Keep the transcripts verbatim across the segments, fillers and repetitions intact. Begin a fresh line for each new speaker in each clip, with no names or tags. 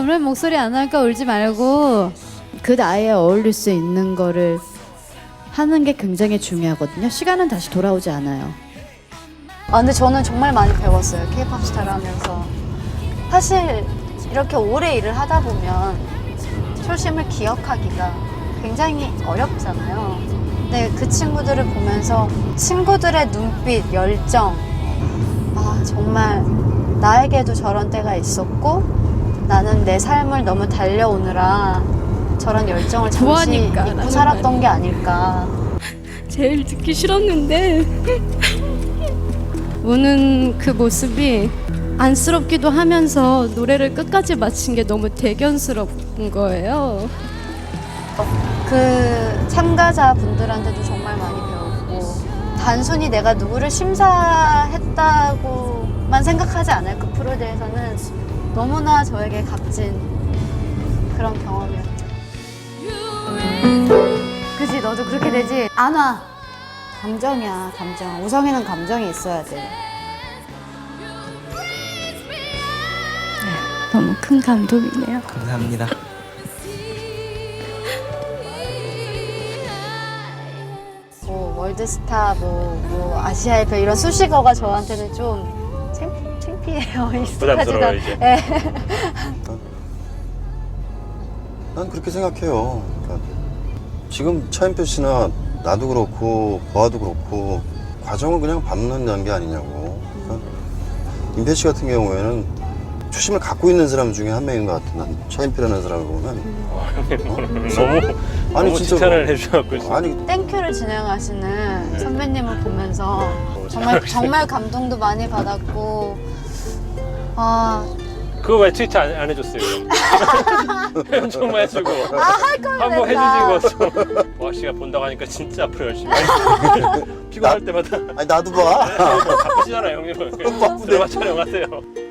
왜 목소리 안 나니까 울지 말고 그 나이에 어울릴 수 있는 거를 하는 게 굉장히 중요하거든요. 시간은 다시 돌아오지 않아요.
아 근데 저는 정말 많이 배웠어요. 케이팝 스타를 하면서. 사실 이렇게 오래 일을 하다 보면 초심을 기억하기가 굉장히 어렵잖아요. 근데 그 친구들을 보면서 친구들의 눈빛, 열정, 아 정말 나에게도 저런 때가 있었고 나는 내 삶을 너무 달려오느라 저런 열정을 잠시
좋아하니까,
잊고
나는
살았던
말이야.
게 아닐까.
제일 듣기 싫었는데 우는 그 모습이 안쓰럽기도 하면서 노래를 끝까지 마친 게 너무 대견스러운 거예요.
그 참가자분들한테도 정말 많이 배웠고 단순히 내가 누구를 심사했다고만 생각하지 않을 그 프로에 대해서는 너무나 저에게 값진 그런 경험이었죠. 그지 너도 그렇게 되지? 안 와. 감정이야 감정. 우성이는 감정이 있어야 돼.
너무 큰 감동이네요.
감사합니다.
뭐 월드스타 뭐, 뭐 아시아의 별 이런 수식어가 저한테는 좀 창, 창피해요. 익숙하지가.
부담스러워요, 이제.
예.
난 그렇게 생각해요. 그러니까 지금 차인표 씨나 나도 그렇고 보아도 그렇고 과정을 그냥 밟는다는 게 아니냐고. 그러니까 임태 씨 같은 경우에는 초심을 갖고 있는 사람 중에 한 명인 것 같아. 난 차인표라는 사람을 보면.
어, 형님
어?
너무
아니,
너무
진짜로.
칭찬을 해주셔갖고
아니
땡큐를 진행하시는 선배님을 보면서
어,
정말
잘
정말 감동도 많이 받았고 아
그거 왜 트위터 안, 안 해줬어요? 표현 좀 해주고
할 거면
한번
됐다.
해주시고 보아 씨가 본다고 하니까 진짜 앞으로 열심히 할 피곤할 때마다
아니 나도 봐.
바쁘시잖아요 형님은
바쁜데.
드라마 촬영하세요.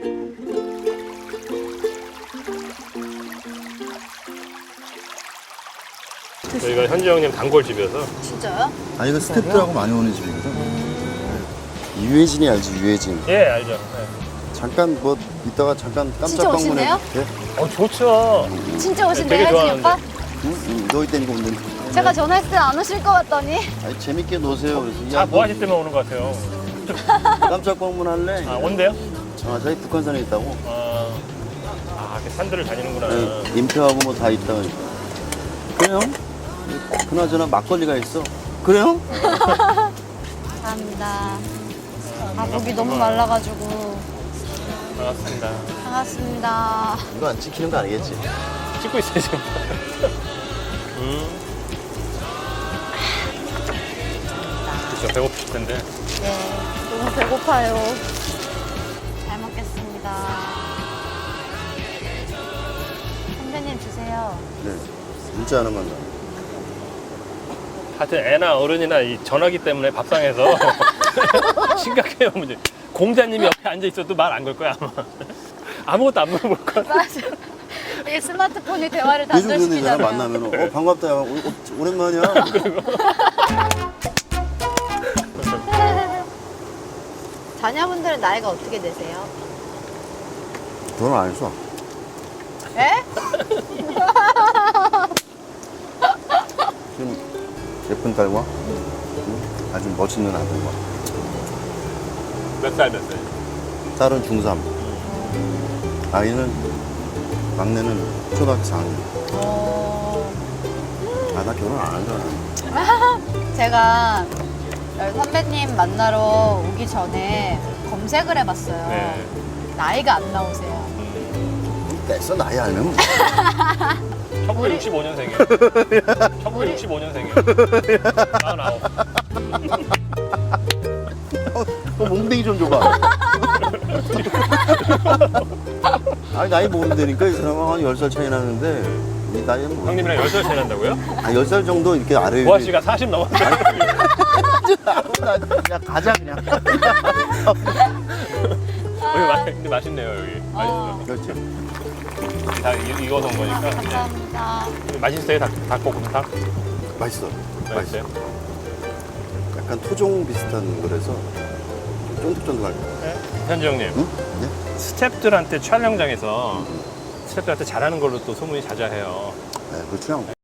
저희가 현지 형님 단골집이어서
진짜요?
아니 이거 스태프들하고 많이 오는 집이거든. 유해진이 알지 유해진.
예 알죠. 네.
잠깐 뭐 이따가 잠깐
진짜
깜짝
오신대요?
방문해. 돼?
어 좋죠.
진짜 오신대요,
되게
혜진이
좋아하는데.
오빠?
응? 응. 너희 때문에 오는.
제가 전화했을 때 안 오실 것 같더니
아니 재밌게 노세요. 그래서
다
야,
보아 씨 때문에 오는 것 같아요.
너 깜짝 방문할래?
아 온대요?
아 저희 북한산에 있다고.
아, 아 이렇게 산들을 다니는구나.
네, 인표하고 뭐 다 있다. 그래요? 그나저나 막걸리가 있어. 그래요?
감사합니다. 아 목이 너무 말라가지고
반갑습니다.
반갑습니다.
이거 안 찍히는 거 아니겠지?
찍고 있어요 지금. 음. 그렇죠 배고프실 텐데.
네, 너무 배고파요. 잘 먹겠습니다. 선배님 주세요.
네. 문자 하나만 더.
하여튼 애나 어른이나 이 전화기 때문에 밥상에서 심각해요 문제. 공자님이 옆에 앉아 있어도 말 안 걸 거야 아마. 아무것도 안 물어볼 거야.
맞아. 이 스마트폰이 대화를
요즘 그런 애잖아
단절시키잖아요.
만나면 어 반갑다 야 오, 오, 오랜만이야.
자녀분들은 나이가 어떻게 되세요?
결혼 안 했어.
에?
지금 예쁜 딸과 응? 아주 멋있는 아들과
몇 살 몇 살?
딸은 중삼, 아이는 막내는 초등학교 사 학년.
어...
아 나 결혼 안 하잖아.
제가 선배님 만나러 오기 전에 검색을 해봤어요.
네.
나이가 안 나오세요.
됐어 나이 알면 뭐.
천구백육십오 년생이에요. 천구백육십오 년생이에요. 마흔아홉.
어, 몽둥이 좀 줘봐. 아니 나이 모으면 되니까 이 사람은 한 열 살 차이 나는데 이 나이는 뭐.
형님이랑 열 살 차이 난다고요?
아, 열 살 정도 이렇게 아래에.
보아 씨가 사십 넘었어요.
야 가자 그냥.
여기 마, 근데 맛있네요 여기. 맛있어.
그렇지.
다 이- 익어서 온 거니까.
감사합니다.
맛있어요 닭, 닭볶음탕?
맛있어. 맛있어.
맛있어요?
약간 토종 비슷한 거라서 쫀득쫀득할 거.
네. 현지 형님.
응? 네?
스태프들한테 촬영장에서 스태프들한테 잘하는 걸로 또 소문이 자자해요.
네, 그렇죠.